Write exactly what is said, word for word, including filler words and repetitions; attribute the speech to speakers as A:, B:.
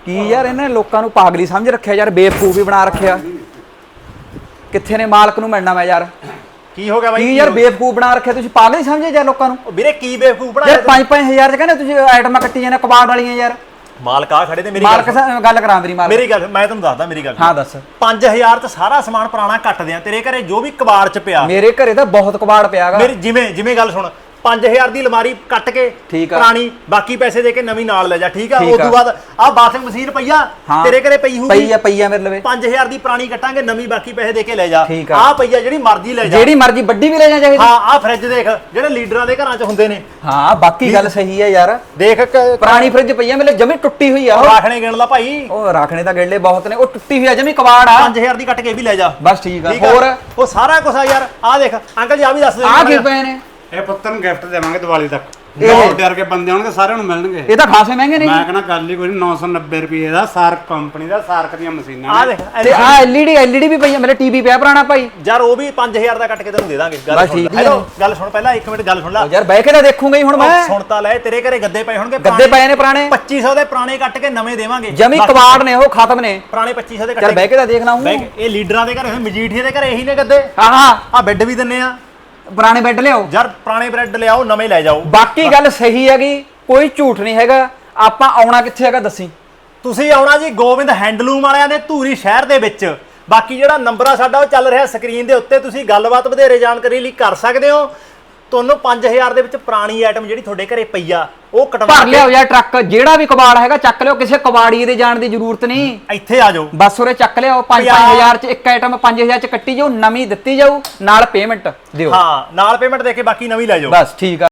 A: ਕੀ ਯਾਰ ਇਹਨੇ ਲੋਕਾਂ ਨੂੰ ਪਾਗਲੀ ਸਮਝ ਰੱਖਿਆ ਯਾਰ, ਬੇਵਕੂਫ ਵੀ ਬਣਾ ਰੱਖਿਆ। ਕਿੱਥੇ ਨੇ ਮਾਲਕ ਨੂੰ ਮਿਲਣਾ ਮੈਂ ਯਾਰ?
B: ਕੀ ਹੋ ਗਿਆ ਬਾਈ?
A: ਕੀ ਯਾਰ ਬੇਵਕੂਫ ਬਣਾ ਰੱਖਿਆ ਤੁਸੀਂ, ਪਾਗਲ ਹੀ ਸਮਝੇ ਯਾਰ ਲੋਕਾਂ ਨੂੰ।
B: ਵੀਰੇ ਕੀ ਬੇਵਕੂਫ ਬਣਾਇਆ
A: ਯਾਰ ਪੰਜ ਪੰਜ ਹਜ਼ਾਰ ਚ ਕਹਿੰਦੇ ਤੁਸੀਂ ਆਈਟਮਾਂ ਕੱਟੀ ਜਾਂਦੇ ਕਬਾੜ ਵਾਲੀਆਂ ਯਾਰ।
B: ਮਾਲਕ ਆ ਖੜੇ ਤੇ ਮੇਰੀ
A: ਮਾਲਕ ਗੱਲ ਕਰਾਂ ਮੇਰੀ ਮਾਲਕ
B: ਮੇਰੀ ਗੱਲ ਮੈਂ ਤੁਹਾਨੂੰ ਦੱਸਦਾ ਮੇਰੀ ਗੱਲ।
A: ਹਾਂ ਦੱਸ।
B: ਪੰਜ ਹਜ਼ਾਰ ਚ ਸਾਰਾ ਸਮਾਨ ਪੁਰਾਣਾ ਕੱਟਦੇ ਆ, ਤੇਰੇ ਘਰੇ ਜੋ ਵੀ ਕਬਾੜ ਚ ਪਿਆ।
A: ਮੇਰੇ ਘਰੇ ਤਾਂ ਬਹੁਤ ਕਬਾੜ ਪਿਆਗਾ।
B: ਮੇਰੀ ਜਿਵੇਂ ਜਿਵੇਂ ਗੱਲ ਸੁਣ, ਪੰਜ ਹਜ਼ਾਰ ਦੀ ਅਲਮਾਰੀ ਕੱਟ ਕੇ ਪੁਰਾਣੀ, ਬਾਕੀ ਪੈਸੇ ਦੇ ਕੇ ਨਵੀਂ ਨਾਲ ਲੈ ਜਾ, ਠੀਕ ਆ? ਉਸ ਤੋਂ ਬਾਅਦ ਆ ਬਾਥਿੰਗ ਮਸ਼ੀਨ ਪਈਆ ਤੇਰੇ ਘਰੇ ਪਈ ਹੋਊਗੀ,
A: ਪਈ ਆ ਪਈ ਆ ਮੇਰੇ ਲਵੇ।
B: ਪੰਜ ਹਜ਼ਾਰ ਦੀ ਪੁਰਾਣੀ ਕੱਟਾਂਗੇ, ਨਵੀਂ ਬਾਕੀ ਪੈਸੇ ਦੇ ਕੇ ਲੈ ਜਾ। ਆ ਪਈਆ ਜਿਹੜੀ ਮਰਜ਼ੀ ਲੈ ਜਾ,
A: ਜਿਹੜੀ ਮਰਜ਼ੀ ਵੱਡੀ ਵੀ ਲੈ ਜਾ ਚਾਹੀਦੀ।
B: ਹਾਂ ਆ ਫ੍ਰਿਜ ਦੇਖ, ਜਿਹੜੇ ਲੀਡਰਾਂ ਦੇ ਘਰਾਂ ਚ ਹੁੰਦੇ ਨੇ।
A: ਹਾਂ ਬਾਕੀ ਗੱਲ ਸਹੀ ਹੈ ਯਾਰ,
B: ਦੇਖ
A: ਪੁਰਾਣੀ ਫ੍ਰਿਜ ਪਈ ਆ ਮੇਰੇ ਜਮੀ ਟੁੱਟੀ ਹੋਈ ਆ।
B: ਰਾਖਣੇ ਗਿਣ ਲਾ ਭਾਈ,
A: ਉਹ ਰਾਖਣੇ ਤਾਂ ਗਿਣਲੇ ਬਹੁਤ ਨੇ, ਉਹ ਟੁੱਟੀ ਹੋਈ ਆ ਜਮੀ ਕਬਾੜ ਆ।
B: ਪੰਜ ਹਜ਼ਾਰ ਦੀ ਕੱਟ ਕੇ ਵੀ ਲੈ ਜਾ
A: ਬਸ ਠੀਕ ਆ। ਹੋਰ
B: ਉਹ ਸਾਰਾ ਕੁਝ ਆ ਯਾਰ। ਆ ਦੇਖ ਅੰਕਲ ਜੀ ਆ ਵੀ ਦੱਸ ਦੇ,
A: ਆ ਕੀ ਪਏ ਨੇ?
C: ਇਹ ਪੁੱਤਰ ਨੂੰ ਗਿਫਟ ਦੇਵਾਂਗੇ ਦੀਵਾਲੀ ਤੱਕ। ਬਹੁਤ ਡਰ ਕੇ ਬੰਦੇ ਆਉਣਗੇ, ਸਾਰਿਆਂ ਨੂੰ ਮਿਲਣਗੇ।
A: ਇਹ ਤਾਂ ਖਾਸੇ ਮਹਿੰਗੇ ਨੇ।
C: ਮੈਂ ਕਹਿੰਦਾ ਗੱਲ ਹੀ ਕੋਈ ਨਹੀਂ, ਨੌ ਸੌ ਨੱਬੇ ਰੁਪਏ ਦਾ ਸਾਰਕ ਕੰਪਨੀ ਦਾ, ਸਾਰਕ ਦੀਆਂ ਮਸ਼ੀਨਾਂ।
B: ਆ ਦੇਖ
A: ਤੇ ਆ ਐਲਈਡੀ ਐਲਈਡੀ ਵੀ ਪਈ ਆ, ਮੇਰੇ ਟੀਵੀ ਪਿਆ ਪੁਰਾਣਾ ਭਾਈ
B: ਯਾਰ, ਉਹ ਵੀ ਪੰਜ ਹਜ਼ਾਰ ਦਾ ਕੱਟ ਕੇ ਤੈਨੂੰ ਦੇ ਦਾਂਗੇ। ਗੱਲ ਸੁਣ ਹੈਲੋ, ਗੱਲ ਸੁਣ ਪਹਿਲਾਂ ਇੱਕ ਮਿੰਟ ਗੱਲ ਸੁਣ ਲੈ
A: ਯਾਰ, ਬਹਿ ਕੇ ਤਾਂ ਦੇਖੂੰਗਾ ਹੀ ਹੁਣ ਮੈਂ।
B: ਸੁਣ ਤਾਂ ਲੈ, ਤੇਰੇ ਘਰੇ ਗੱਦੇ ਪਏ ਹੋਣਗੇ,
A: ਗੱਦੇ ਪਏ ਨੇ ਪੁਰਾਣੇ,
B: ਪੱਚੀ ਸੌ ਦੇ ਪੁਰਾਣੇ ਕੱਟ ਕੇ ਨਵੇਂ ਦੇਵਾਂਗੇ।
A: ਜਮੀ ਕਬਾੜ ਨੇ, ਉਹ ਖਤਮ ਨੇ
B: ਪੁਰਾਣੇ ਪੱਚੀ ਸੌ ਦੇ ਕੱਟ।
A: ਚੱਲ ਬਹਿ ਕੇ ਤਾਂ ਦੇਖਣਾ ਹੂੰ।
B: ਇਹ ਲੀਡਰਾਂ ਦੇ ਘਰੇ, ਮਜੀਠੀਏ ਦੇ ਘਰੇ ਇਹੀ ਨੇ ਗੱਦੇ।
A: ਹਾਂ ਹਾਂ
B: ਆ ਬੈੱਡ ਵੀ ਦਿੰਨੇ ਆ,
A: ਪੁਰਾਣੇ ਬੈੱਡ ਲਿਆਓ
B: ਯਾਰ ਪੁਰਾਣੇ ਬੈੱਡ ਲਿਆਓ, ਨਵੇਂ ਲੈ ਜਾਓ।
A: ਬਾਕੀ ਗੱਲ ਸਹੀ ਹੈਗੀ, ਕੋਈ ਝੂਠ ਨਹੀਂ ਹੈਗਾ। ਆਪਾਂ ਆਉਣਾ ਕਿੱਥੇ ਹੈਗਾ ਦੱਸੀ?
B: ਤੁਸੀਂ ਆਉਣਾ ਜੀ ਗੋਬਿੰਦ ਹੈਂਡਲੂਮ ਵਾਲਿਆਂ ਦੇ ਧੂਰੀ ਸ਼ਹਿਰ ਦੇ ਵਿੱਚ। ਬਾਕੀ ਜਿਹੜਾ ਨੰਬਰ ਆ ਸਾਡਾ ਉਹ ਚੱਲ ਰਿਹਾ ਸਕਰੀਨ ਦੇ ਉੱਤੇ, ਤੁਸੀਂ ਗੱਲਬਾਤ ਵਧੇਰੇ ਜਾਣਕਾਰੀ ਲਈ ਕਰ ਸਕਦੇ ਹੋ। ਤੁਹਾਨੂੰ ਪੰਜ ਹਜ਼ਾਰ ਦੇ ਵਿੱਚ ਪੁਰਾਣੀ ਆਈਟਮ ਜਿਹੜੀ ਤੁਹਾਡੇ ਘਰੇ ਪਈ ਆ ਉਹ ਕਟਵਾ
A: ਭਰ ਲਿਆਓ ਯਾਰ ਟਰੱਕ, ਜਿਹੜਾ ਵੀ ਕਬਾੜ ਹੈਗਾ ਚੱਕ ਲਿਓ, ਕਿਸੇ ਕਬਾੜੀ ਦੇ ਜਾਣ ਦੀ ਜ਼ਰੂਰਤ ਨਹੀਂ।
B: ਇੱਥੇ ਆ ਜਾਓ,
A: ਬਸ ਉਰੇ ਚੱਕ ਲਿਆਓ। ਪੰਜ ਹਜ਼ਾਰ ਚ ਇੱਕ ਆਈਟਮ ਪੰਜ ਹਜ਼ਾਰ ਚ ਕੱਟੀ ਜਾਓ, ਨਵੀਂ ਦਿੱਤੀ ਜਾਊ, ਨਾਲ ਪੇਮੈਂਟ ਦਿਓ।
B: ਹਾਂ ਨਾਲ ਪੇਮੈਂਟ ਦੇ ਕੇ ਬਾਕੀ ਨਵੀਂ ਲੈ ਜਾਓ।
A: ਬਸ ਠੀਕ ਆ।